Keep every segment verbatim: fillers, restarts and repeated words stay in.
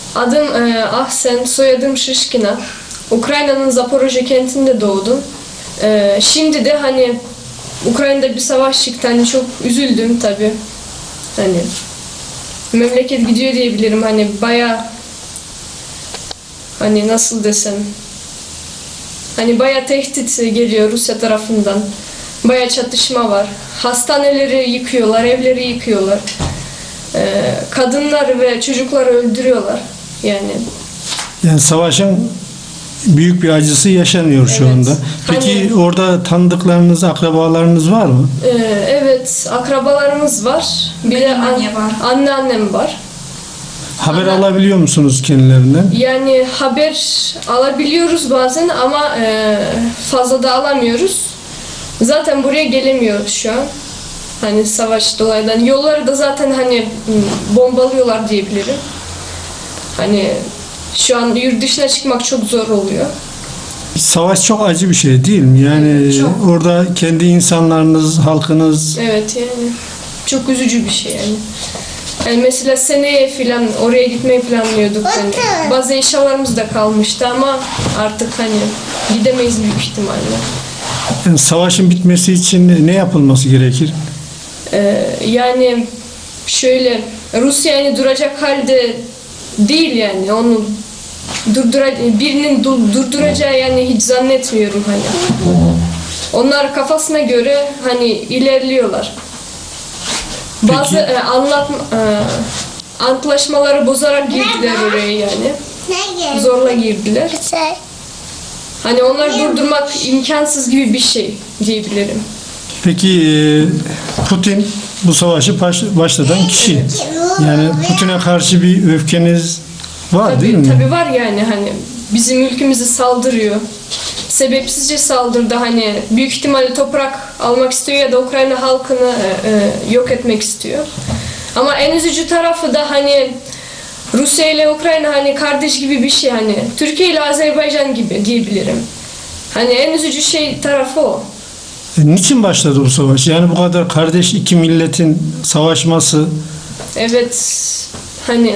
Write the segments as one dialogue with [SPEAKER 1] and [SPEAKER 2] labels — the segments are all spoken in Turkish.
[SPEAKER 1] Adım e, Ahsen, soyadım Şişkina. Ukrayna'nın Zaporojye kentinde doğdum. E, şimdi de hani Ukrayna'da bir savaş çıktı. Hani çok üzüldüm tabii. Hani memleket gidiyor diyebilirim. Hani bayağı hani nasıl desem hani bayağı tehdit geliyor Rusya tarafından. Bayağı çatışma var. Hastaneleri yıkıyorlar, evleri yıkıyorlar. E, kadınlar ve çocukları öldürüyorlar. Yani
[SPEAKER 2] Yani savaşın büyük bir acısı yaşanıyor şu
[SPEAKER 1] Evet.
[SPEAKER 2] anda. Peki
[SPEAKER 1] Hani-
[SPEAKER 2] orada tanıdıklarınız, akrabalarınız var mı?
[SPEAKER 1] Ee, evet, akrabalarımız var. Bir de
[SPEAKER 3] Benim anne var.
[SPEAKER 1] anneannem var.
[SPEAKER 2] Haber
[SPEAKER 1] Ama-
[SPEAKER 2] alabiliyor musunuz kendilerinden?
[SPEAKER 1] Yani haber alabiliyoruz bazen ama e, fazla da alamıyoruz. Zaten buraya gelemiyoruz şu an. Hani savaş dolayından. Yolları da zaten hani m, bombalıyorlar diyebilirim. Hani şu an yurt dışına çıkmak çok zor oluyor.
[SPEAKER 2] Savaş çok acı bir şey değil mi? Yani
[SPEAKER 1] Evet, çok.
[SPEAKER 2] orada kendi insanlarınız, halkınız
[SPEAKER 1] Evet yani çok üzücü bir şey yani. Yani mesela seneye falan oraya gitmeyi planlıyorduk hani. Bazı eşyalarımız da kalmıştı ama artık hani gidemeyiz büyük ihtimalle.
[SPEAKER 2] yani savaşın bitmesi için ne yapılması gerekir?
[SPEAKER 1] Ee, yani şöyle Rusya yani duracak halde değil yani onu durdura birinin dur- durduracağı yani hiç zannetmiyorum hani. Onlar kafasına göre hani ilerliyorlar. Bazı
[SPEAKER 2] Peki-
[SPEAKER 1] e, anlat e, antlaşmaları bozarak girdiler oraya yani. Zorla girdiler. Hani onları durdurmak imkansız gibi bir şey diyebilirim.
[SPEAKER 2] Peki e, Putin bu savaşı baş- başlatan kişi. Yani Putin'e karşı bir öfkeniz var değil
[SPEAKER 1] Tabii,
[SPEAKER 2] mi?
[SPEAKER 1] tabii var yani hani bizim ülkemizi saldırıyor. Sebepsizce saldırdı hani büyük ihtimalle toprak almak istiyor ya da Ukrayna halkını e, e, yok etmek istiyor. Ama en üzücü tarafı da hani Rusya ile Ukrayna hani kardeş gibi bir şey hani Türkiye ile Azerbaycan gibi diyebilirim. Hani en üzücü şey tarafı o.
[SPEAKER 2] E, niçin başladı bu savaş? Yani bu kadar kardeş iki milletin savaşması.
[SPEAKER 1] Evet hani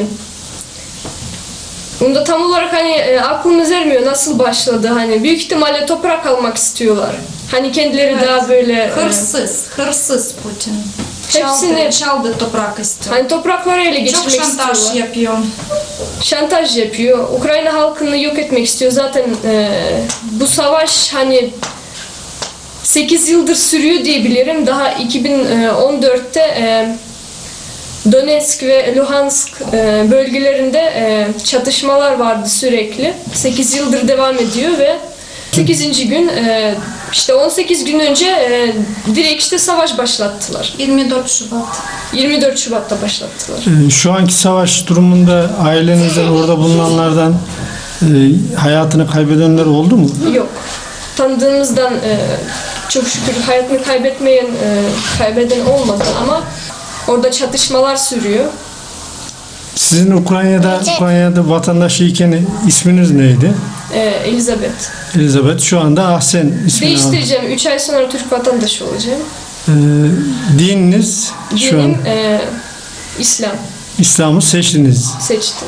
[SPEAKER 1] bunda tam olarak hani e, aklımız ermiyor nasıl başladı hani büyük ihtimalle toprak almak istiyorlar. Hani kendileri
[SPEAKER 3] Evet.
[SPEAKER 1] daha böyle e,
[SPEAKER 3] Hırsız, hırsız Putin.
[SPEAKER 1] Hepsini-
[SPEAKER 3] Çaldı, çaldı toprak istiyor.
[SPEAKER 1] hani toprakları ele
[SPEAKER 3] Çok
[SPEAKER 1] geçirmek
[SPEAKER 3] şantaj
[SPEAKER 1] istiyorlar.
[SPEAKER 3] yapıyor.
[SPEAKER 1] Şantaj yapıyor. Ukrayna halkını yok etmek istiyor. Zaten e, bu savaş hani sekiz yıldır sürüyor diyebilirim. Daha iki bin on dörtte e, Donetsk ve Luhansk e, bölgelerinde e, çatışmalar vardı sürekli. sekiz yıldır devam ediyor ve sekizinci gün e, işte on sekiz gün önce e, direkt işte savaş başlattılar.
[SPEAKER 3] yirmi dört Şubat.
[SPEAKER 1] yirmi dört Şubat'ta başlattılar.
[SPEAKER 2] E, şu anki savaş durumunda ailenizden, orada bulunanlardan e, hayatını kaybedenler oldu mu?
[SPEAKER 1] Yok. Tanıdığımızdan e, çok şükür hayatını kaybetmeyen, e, kaybeden olmadı ama orada çatışmalar sürüyor.
[SPEAKER 2] Sizin Ukrayna'da Ukrayna'da vatandaşıyken isminiz neydi?
[SPEAKER 1] E, Elizabeth.
[SPEAKER 2] Elizabeth. Şu anda Ahsen ismini aldı.
[SPEAKER 1] Değiştireceğim. üç ay sonra Türk vatandaşı olacağım.
[SPEAKER 2] E, dininiz şu an
[SPEAKER 1] Dinim e, İslam.
[SPEAKER 2] İslam'ı seçtiniz.
[SPEAKER 1] Seçtim.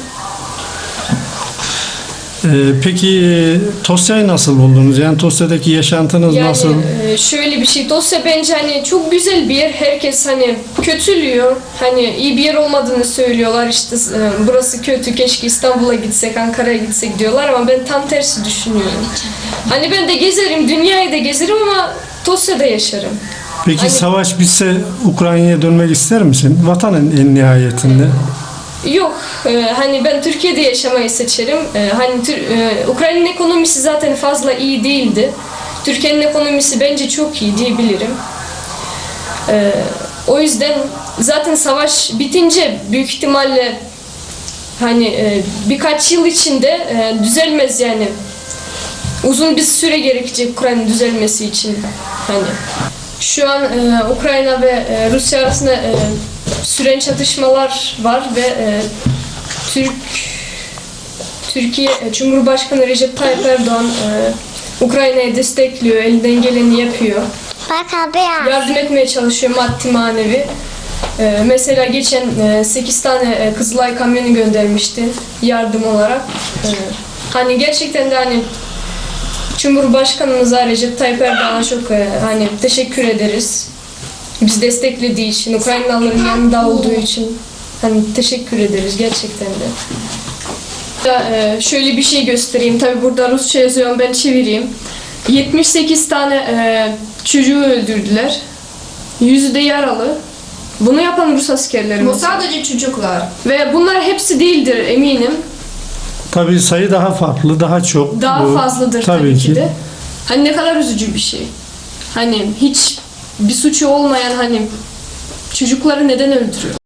[SPEAKER 2] E, peki e, Tosya'yı nasıl buldunuz? Yani Tosya'daki yaşantınız
[SPEAKER 1] Yani
[SPEAKER 2] nasıl?
[SPEAKER 1] e, şöyle bir şey. Dosya bence hani çok güzel bir yer. Herkes hani kötülüyor. Hani iyi bir yer olmadığını söylüyorlar. İşte e, burası kötü. Keşke İstanbul'a gitsek, Ankara'ya gitsek diyorlar ama ben tam tersi düşünüyorum. Hani ben de gezerim, dünyayı da gezerim ama Tosya'da yaşarım.
[SPEAKER 2] Peki
[SPEAKER 1] hani-
[SPEAKER 2] savaş bitse Ukrayna'ya dönmek ister misin? Vatanın en nihayetinde.
[SPEAKER 1] Yok, e, hani ben Türkiye'de yaşamayı seçerim. E, hani Tür- e, Ukrayna'nın ekonomisi zaten fazla iyi değildi. Türkiye'nin ekonomisi bence çok iyi diyebilirim. E, o yüzden zaten savaş bitince büyük ihtimalle hani e, birkaç yıl içinde e, düzelmez yani. Uzun bir süre gerekecek Ukrayna'nın düzelmesi için. Hani şu an e, Ukrayna ve e, Rusya arasında e, süren çatışmalar var ve e, Türk Türkiye e, Cumhurbaşkanı Recep Tayyip Erdoğan e, Ukrayna'yı destekliyor, elinden geleni yapıyor.
[SPEAKER 4] Bak abi ya.
[SPEAKER 1] Yardım etmeye çalışıyor maddi manevi. Ee, mesela geçen e, sekiz tane e, Kızılay kamyonu göndermişti yardım olarak. Ee, hani gerçekten de hani Cumhurbaşkanımıza Recep Tayyip Erdoğan'a çok e, hani teşekkür ederiz. Bizi desteklediği için, Ukraynalıların yanında olduğu için hani teşekkür ederiz gerçekten de. Ya, e, şöyle bir şey göstereyim. Tabi burada Rusça yazıyorum, ben çevireyim. yetmiş sekiz tane e, çocuğu öldürdüler. Yüzü de yaralı. Bunu yapan Rus askerleri.
[SPEAKER 3] Bu sadece çocuklar.
[SPEAKER 1] Ve bunlar hepsi değildir eminim.
[SPEAKER 2] Tabii sayı daha farklı, daha çok.
[SPEAKER 1] Daha
[SPEAKER 2] Bu,
[SPEAKER 1] fazladır tabii, ki de. Hani ne kadar üzücü bir şey. Hani hiç bir suçu olmayan hani çocukları neden öldürüyor?